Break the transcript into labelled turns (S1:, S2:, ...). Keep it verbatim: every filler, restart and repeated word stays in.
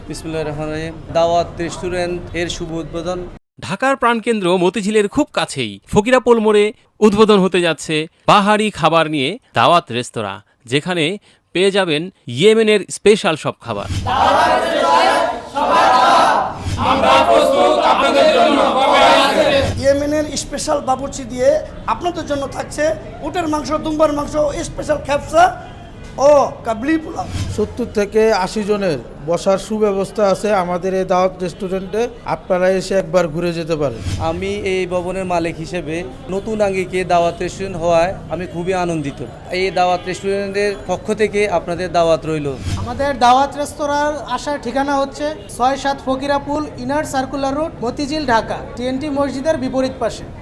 S1: বিসমিল্লাহির রহমানির রহিম। দাওয়াত রেস্টুরেন্ট এর শুভ উদ্বোধন।
S2: ঢাকার প্রাণকেন্দ্র মতিঝিলের খুব কাছেই ফকিরাপোল মোড়ে উদ্বোধন হতে যাচ্ছে পাহাড়ি খাবার নিয়ে দাওয়াত রেস্তোরাঁ, যেখানে পেয়ে যাবেন ইয়েমেনের স্পেশাল সব খাবার।
S3: ইয়েমেনের স্পেশাল বাবুর্চি দিয়ে আপনাদের জন্য থাকছে উটের মাংস, দুম্বার মাংস, স্পেশাল খ্যাপসা ও কাবলি পোলাও।
S4: সত্তর থেকে আশি জনের বসার সুব্যবস্থা আছে আমাদের এই দাওয়াত রেস্টুরেন্টে। আপনারা এসে একবার ঘুরে যেতে পারেন।
S1: আমি এই ভবনের মালিক হিসেবে নতুন আঙ্গিকে দাওয়াত রেস্টুরেন্ট হওয়ায় আমি খুবই আনন্দিত। এই দাওয়াত রেস্টুরেন্টের পক্ষ থেকে আপনাদের দাওয়াত রইল।
S5: আমাদের দাওয়াত রেস্তোরাঁর আসার ঠিকানা হচ্ছে ছয় সাত Fakirapul inner circular road, Motijheel, Dhaka, TNT মসজিদের বিপরীত পাশে।